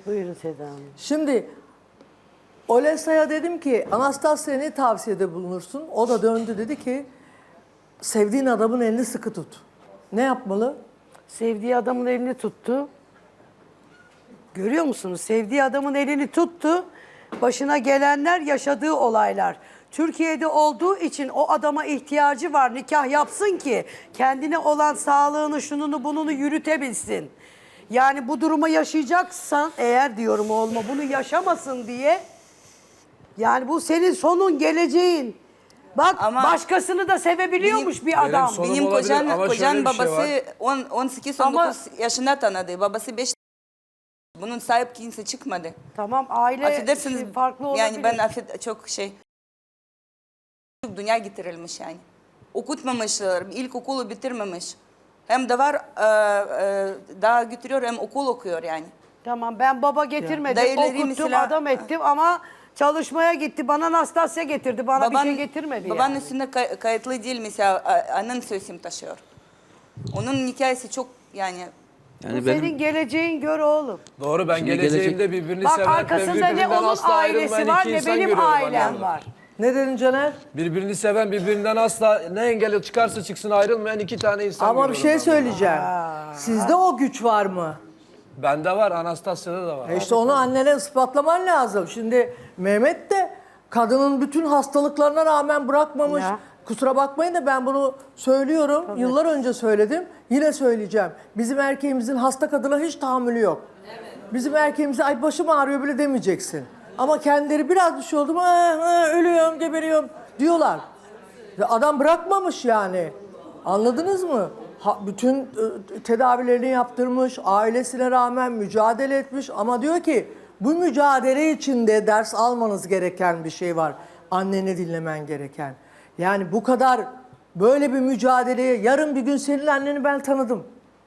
Buyurun Seda Hanım. Şimdi Olesa'ya dedim ki Anastasya'ya ne tavsiyede bulunursun? O da döndü dedi ki sevdiğin adamın elini sıkı tut. Ne yapmalı? Sevdiği adamın elini tuttu. Görüyor musunuz? Sevdiği adamın elini tuttu. Başına gelenler, yaşadığı olaylar. Türkiye'de olduğu için o adama ihtiyacı var. Nikah yapsın ki kendine olan sağlığını, şununu bununu yürütebilsin. Yani bu durumu yaşayacaksan eğer diyorum olma bunu yaşamasın diye. Yani bu senin sonun, geleceğin. Bak Ama başkasını da sevebiliyormuş bir adam. sonum Benim olabilir ama şöyle kocan bir şey babası 18-19 Ama- yaşında tanıdı. Babası 5. Bunun sahip kimse çıkmadı. Tamam aile Affedersiniz. farklı olabilir. Yani ben çok dünya getirilmiş yani. Okutmamışlar, ilkokulu bitirmemiş. Hem de var daha götürüyor hem okul okuyor yani. Tamam ben baba getirmedim, Dayıları okuttum, mesela- adam ettim ama çalışmaya gitti. Bana Anastasya getirdi, bana bir şey getirmedi Babanın yani. üstünde kayıtlı değil mesela anın sözüm taşıyor. Onun hikayesi çok yani Bu Yani senin geleceğin gör oğlum. Doğru, ben Şimdi geleceğimde birbirini Bak seven ve arkasında ne birbirinden onun asla ailesi ayrılmayan var iki ne insan benim görüyorum ailem annemle. var. Ne dedin Caner? Birbirini seven, birbirinden asla ne engeli çıkarsa çıksın ayrılmayan iki tane insan Ama bir görüyorum şey ben. söyleyeceğim. Sizde o güç var mı? Bende var, Anastasya'da da var. İşte onu annene ispatlaman lazım. Şimdi Mehmet de kadının bütün hastalıklarına rağmen bırakmamış. Ya. Kusura bakmayın da ben bunu söylüyorum. Yıllar önce söyledim. Yine söyleyeceğim. Bizim erkeğimizin hasta kadına hiç tahammülü yok. Bizim erkeğimize ay başım ağrıyor bile demeyeceksin. Ama kendileri biraz bir şey oldu mu ölüyorum, geberiyorum diyorlar. Ve adam bırakmamış yani. Anladınız mı? Bütün tedavilerini yaptırmış, ailesine rağmen mücadele etmiş ama diyor ki bu mücadele içinde ders almanız gereken bir şey var. Anneni dinlemen gereken. Yani bu kadar böyle bir mücadeleye yarın bir gün senin anneni ben tanıdım.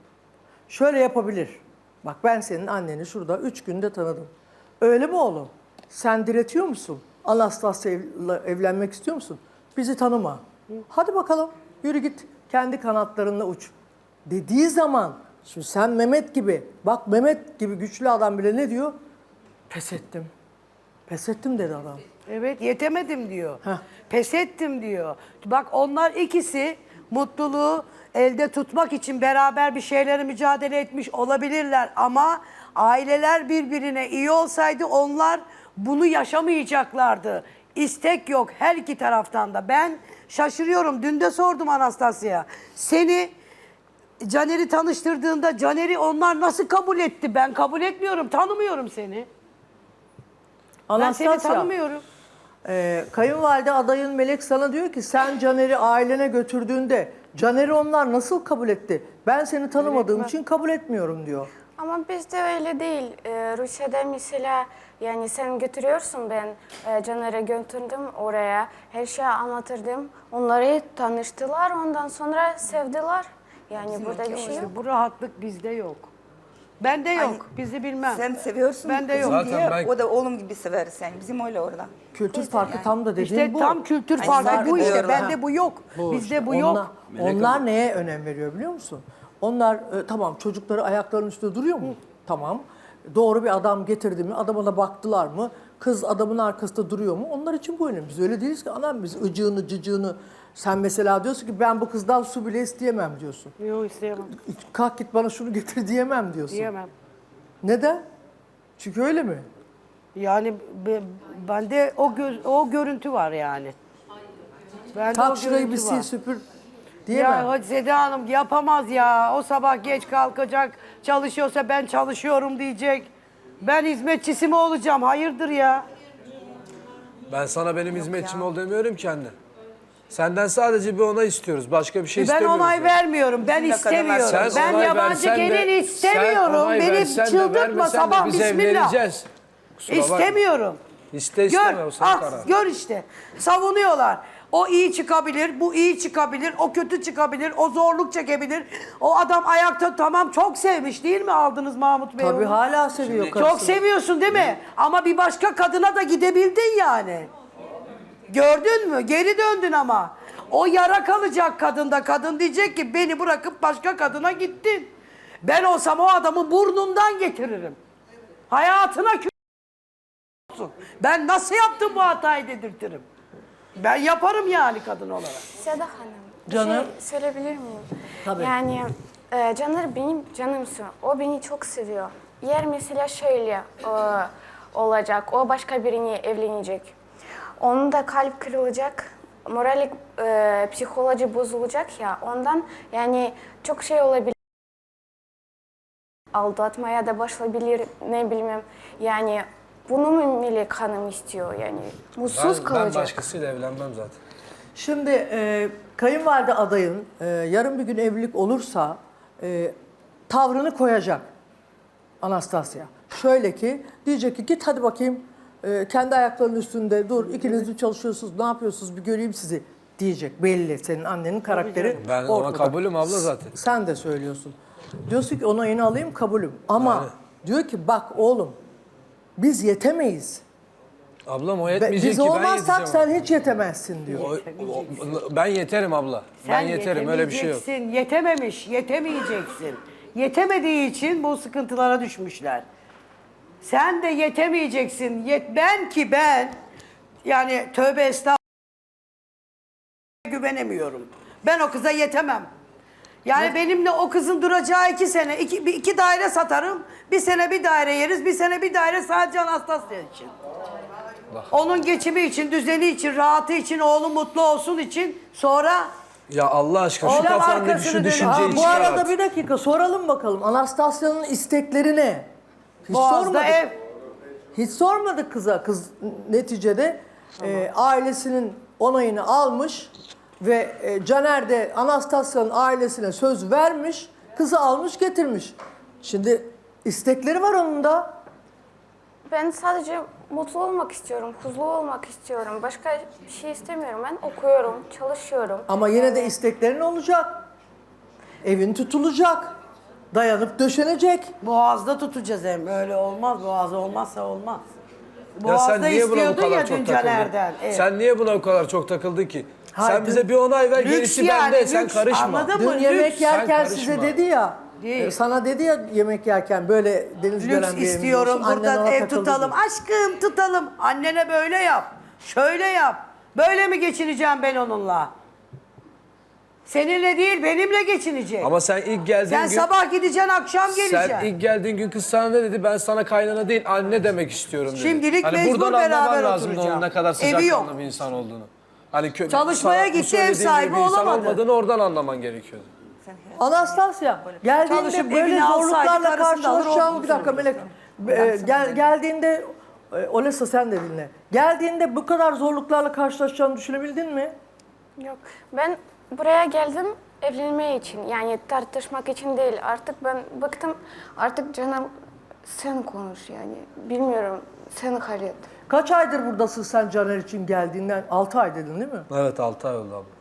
Şöyle yapabilir. Bak ben senin anneni şurada 3 günde tanıdım. Öyle mi oğlum? Sen diretiyor musun? Anastasya'yla evlenmek istiyor musun? Bizi tanıma. Hadi bakalım yürü git kendi kanatlarınla uç. Dediği zaman şimdi sen Mehmet gibi bak Mehmet gibi güçlü adam bile ne diyor? Pes ettim. Pes ettim dedi adam. Evet yetemedim diyor. Heh. Pes ettim diyor. Bak onlar ikisi mutluluğu elde tutmak için beraber bir şeylere mücadele etmiş olabilirler. Ama aileler birbirine iyi olsaydı onlar bunu yaşamayacaklardı. İstek yok her iki taraftan da. Ben şaşırıyorum. Dün de sordum Anastasya'ya. Seni Caner'i tanıştırdığında Caner'i onlar nasıl kabul etti? Ben kabul etmiyorum. Tanımıyorum seni. Ben seni Anastasya, tanımıyorum. kayınvalide adayın Melek sana diyor ki sen Caner'i ailene götürdüğünde Caner'i onlar nasıl kabul etti? Ben seni tanımadığım için kabul etmiyorum diyor. Ama bizde öyle değil. Rusya'da mesela yani sen götürüyorsun ben Caner'e götürdüm oraya. Her şeyi anlatırdım. Onları tanıştılar ondan sonra sevdiler. Yani burada bir şey yok. Bu rahatlık bizde yok. Bende yok. Bizi bilmem. sen seviyorsun Ben de kızım yok. Zaten diye ben- o da oğlum gibi sever sen. Bizim öyle orada. Kültür farkı tam da dediğin İşte bu. tam kültür Ay, farkı saygı bu işte. duyuyorum. Bende bu yok. Bizde işte. bu yok. Onlar neye önem veriyor biliyor musun? Onlar tamam çocukları ayaklarının üstünde duruyor mu? Tamam. Doğru bir adam getirdi mi? Adama da baktılar mı? Kız adamın arkasında duruyor mu? Onlar için bu önemli. Biz öyle değiliz ki anam biz ıcığını cıcığını. Sen mesela diyorsun ki ben bu kızdan su bile isteyemem diyorsun. Yok isteyemem. Kalk git bana şunu getir diyemem diyorsun. Diyemem. Neden? Çünkü öyle mi? Yani bende o görüntü var yani. Bende Tak o şurayı bir görüntü sil var. süpür diyemem. Ya hadi Seda Hanım yapamaz ya. O sabah geç kalkacak. Çalışıyorsa ben çalışıyorum diyecek. Ben hizmetçisi mi olacağım? Hayırdır ya? Ben sana benim hizmetçim ol demiyorum ki anne. Senden sadece bir onay istiyoruz. Başka bir şey Ben istemiyoruz. onay yani. vermiyorum. Ben Bizim de kadınlar- istemiyorum. Sen Ben onay yabancı versen de- gelin sen istemiyorum. onay Beni versen de çıldırtma vermesen de sabah biz bismillah. evleneceğiz. Kusura bakma. İstemiyorum. İste isteme Gör, o senin kararın. gör işte. Savunuyorlar. O iyi çıkabilir, bu iyi çıkabilir, o kötü çıkabilir, o zorluk çekebilir. O adam ayakta tamam çok sevmiş değil mi aldınız Mahmut Bey? Tabii onu? hala seviyor Çok karısını. seviyorsun değil mi? Ama bir başka kadına da gidebildin yani. Gördün mü? Geri döndün ama. O yara kalacak kadında. Kadın diyecek ki beni bırakıp başka kadına gittin. Ben olsam o adamı burnundan getiririm. Hayatına olsun. Ben nasıl yaptım bu hatayı dedirtirim. Ben yaparım yani kadın olarak. Seda Hanım, bir Canım. şey söyleyebilir miyim? Tabii. Yani Caner benim canımsın. O beni çok seviyor. Yer mesela şöyle olacak. O başka birine evlenecek. Onun da kalp kırılacak. Moralik, psikoloji bozulacak ya. Ondan yani çok şey olabilir. Aldatmaya da başlayabilir, ne bilmem. Yani bunu mu Melek Hanım istiyor yani? Mutsuz Ben kalacak. başkasıyla evlenmem zaten. Şimdi kayınvalide adayın yarın bir gün evlilik olursa tavrını koyacak Anastasya. Şöyle ki diyecek ki git hadi bakayım kendi ayaklarının üstünde dur, ikiniz mi çalışıyorsunuz, ne yapıyorsunuz bir göreyim sizi diyecek. Belli senin annenin karakteri Ben ona ortada. kabulüm abla zaten. Sen de söylüyorsun. Diyorsun ki onayını alayım kabulüm. Ama Aynen. diyor ki bak oğlum biz yetemeyiz. Ablam o Ve yetmeyecek biz ki ben olmazsak yeteceğim. sen hiç yetemezsin diyor. Ben yeterim abla. Ben yeterim öyle bir şey yok. yetemeyeceksin, yetememiş, yetemeyeceksin. Yetemediği için bu sıkıntılara düşmüşler. Sen de yetemeyeceksin. Ben yani tövbe estağfurullah güvenemiyorum. Ben o kıza yetemem. Yani benimle o kızın duracağı 2 sene, iki daire satarım. Bir sene bir daire yeriz, bir sene bir daire sadece Anastasya için. Onun geçimi için, düzeni için, rahatı için, oğlu mutlu olsun için sonra Ya Allah aşkına şu Oğlan kafandaki arkasını şu dönüp- düşünceyi Bu çıkar arada at. bir dakika soralım bakalım. Anastasya'nın istekleri ne? Hiç Boğaz'da sormadık. ev. Hiç sormadık kıza. Kız neticede ailesinin onayını almış ve Caner de Anastasya'nın ailesine söz vermiş. Kızı almış getirmiş. Şimdi istekleri var onun da. Ben sadece mutlu olmak istiyorum, huzurlu olmak istiyorum. Başka bir şey istemiyorum. Ben okuyorum, çalışıyorum. Ama yine de isteklerin olacak. Evin tutulacak. Dayanıp döşenecek. Boğaz'da tutacağız hem. Öyle olmaz. Boğaz olmazsa olmaz. Ya sen Boğaz'da niye buna bu istiyordun kadar ya çok dün takıldın? Caner'den. Evet. Sen niye buna bu kadar çok takıldın ki? Hayır, Sen bize bir onay ver, Lüks gerisi yani, bende. Sen lüks. karışma. Anladın mı? Dün Lüks. yemek yerken Sen size karışma. dedi ya, Değil. sana dedi ya yemek yerken böyle deniz Lüks gören bir evimiz istiyorum. olsun, annen Buradan ona ev takıldı tutalım. diyor. Aşkım tutalım. Annene böyle yap. Şöyle yap. Böyle mi geçineceğim ben onunla? Seninle değil benimle geçinecek. Ama sen ilk geldiğin Sen gün... sabah gideceksin akşam geleceksin. Sen ilk geldiğin gün kız sana ne dedi? Ben sana kaynana değil anne demek istiyorum dedi. Şimdilik hani mecbur buradan beraber anlaman lazım oturacağım. onun ne kadar Evi yok. sıcakkanlı bir insan olduğunu. Hani Çalışmaya sana bu gitti, ev söylediğin sahibi gibi bir insan olamadı. olmadığını oradan anlaman gerekiyordu. Anastasya geldiğinde Çalışıp böyle evini alsaydı zorluklarla karısını da alır karşılaşacağım. otururdu. Bir dakika Melek. Geldiğinde Olesa sen de dinle. Geldiğinde bu kadar zorluklarla karşılaşacağını düşünebildin mi? Yok. Ben buraya geldim evlenmeye için. Yani tartışmak için değil. Artık ben bıktım. Artık canım sen konuş yani. Bilmiyorum. Sen hallet. Kaç aydır buradasın sen Caner için geldiğinden? 6 ay dedin değil mi? Evet 6 ay oldu abla.